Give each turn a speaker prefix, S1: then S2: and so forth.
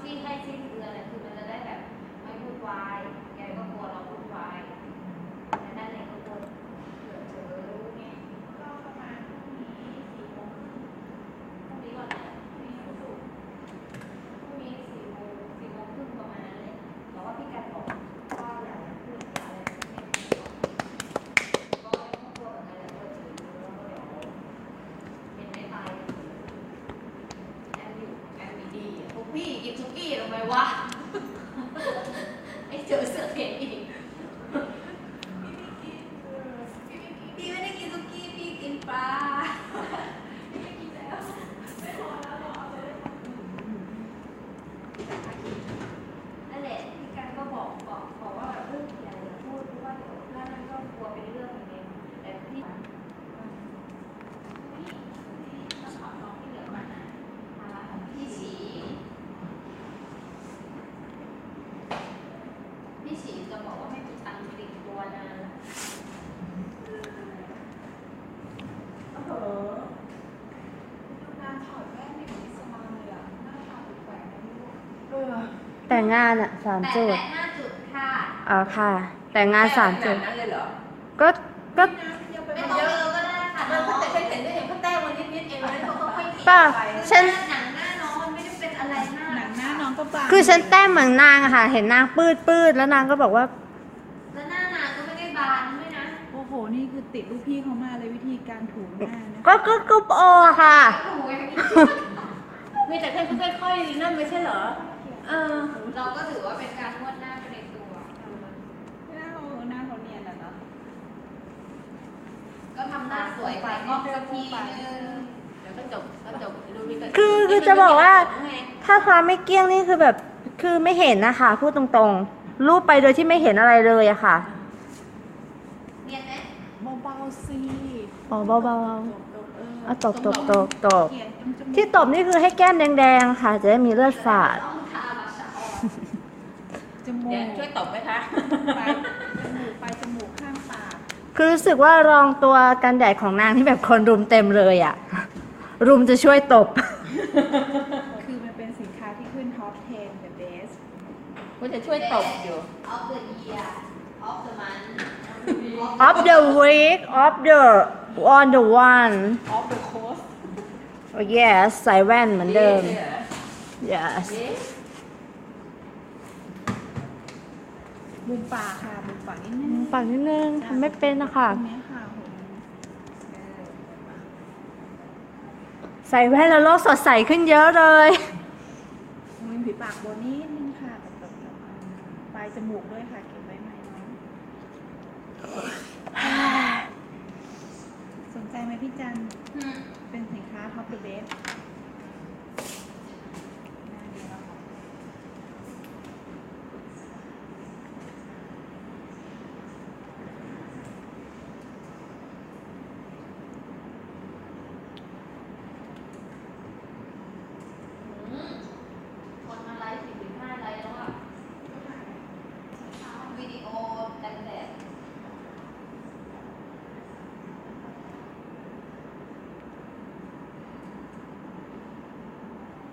S1: ที่ให้สิ้นเดือนเนี่ยคือมันจะได้แบบไม่วุ่นวายแกก็กลัวเราวุ่นวายแต่นั่นเองก็กลัวเผื่อเจอรู้ไงก็ประมาณพรุ่งนี้4 โมงครึ่งพรุ่งนี้ก่อนนะพรุ่งนี้วันศุกร์พรุ่งนี้4 โมงครึ่งประมาณนั้นเลยแต่ว่าพี่กันบอกว่าอย่าพูดอะไรไม่ก็ไม่ต้องกลัวแบบนั้นแหละกลัวเจอแล้วก็เดี๋ยวเป็นไม่ตายแอมอยู่แอมมีดีพวกพี่กินซุกี้ทำไมวะไอ้เจอเสือเห็นอีกพี่ไม่ได้กินซุกี้พี่กินปลาพี่ไม่กินแล้วไม่พอแล้วเราเอาไปได้นั่นแหละพี่กันก็บอกว่าแบบอย่าพูดเพราะว่าเดี๋ยวถ้านั่นก็กลัวเป็นเรื่องอย่างเงี้ยแต่พี่ต้องขอน้องที่เหลือมานะภาระของพี่ฉีจะบอกว่าไม่มีตังค์ติดตัวนานแล้วโอ้โหงานถอดแว่นไม่เหมือนอิสลามเลยอ่ะหน้าตาแปลกๆนะลูก
S2: แต่งงานอะ3 จุด
S1: แต่5 จุดค่ะ
S2: อ๋อค่ะ แต่งงาน3 จุด
S3: นั่นเลยเหรอ
S2: ก็
S1: ไม่ต้องเยอะก็ได้ค่ะน้องแต่เห็นได้เห็นเขาแต้มวันนิดเองแล้วเขาค่อยๆกิน
S2: ป่ะ
S1: ไป
S2: ฉัน
S1: หนังหน้าน้องมันไม่ได้เป็นอะไรมาก
S3: หนังหน้าน้องก็บาง
S2: คือฉันแต้มเหมือนนางอะค่ะ เห็นนางปืดแล้วนางก็บอกว่า
S1: แล้วหน้านางก็ไม่ได้บานด้วยนะ
S3: โอ้โห นี่คือติดลูกพี่เขามาเลยวิธีการถูหน้านะ
S2: ก็โอค่ะ
S1: โอ้โห
S3: มีแต่ค่อยๆนั่นไม่ใช่เหรอ
S1: เราก็ถือว่าเป็นการนวดหน้าไปในตัว
S3: หน้าเขาเนียนอะเนาะ
S1: ก็ทำหน้าสวยไปก็สักทีนึงเดี๋ยวก็จบดูมีแต่
S2: คือจะบอกว่า ถ้าความไม่เกี้ยงนี่คือแบบ คือไม่เห็นนะคะ พูดตรงๆ รูปไปโดยที่ไม่เห็นอะไรเลยอะค่ะ
S1: เนียนไหม
S3: เบาๆสิ
S2: อ๋อเบาๆอ่ะตบ
S3: เขียนจมูก
S2: ที่ตบนี่คือให้แก้มแดงๆค่ะ จะได้มีเลือดฝาด
S1: ต้องทามาชาออน
S3: จมูก
S4: เดี๋ยวช่วยตบไหมคะ
S3: ปลายจมูกข้างปาก
S2: คือรู้สึกว่ารองตัวกันแดดของนางที่แบบคนรุมเต็มเลยอะรุมจะช่วยตบ
S3: คือมันเป็นสินค้าที่ขึ้นท็อป 10 the best
S4: ว่าจะช่วยตบอยู่
S1: ออฟเดอะเยียร์ออฟเดอะมัน
S2: of the week of the on the one
S3: of the coast
S2: oh yes ใส่แว่นเหมือนเดิม yes
S3: มุมปากค่ะมุมปากนิดนึง
S2: ปากนิดนึงทำไม่เป็นนะคะ
S3: ตรงนี้ค่ะผม
S2: ใส่แว่นแล้วโลกสดใสขึ้นเยอะเลย
S3: มุมผีปากบนนิดนึงค่ะกับปลายจมูกด้วยค่ะเก็บไว้ไหมน้องสนใจไหมพี่จันเป็นสินค้า Top the Best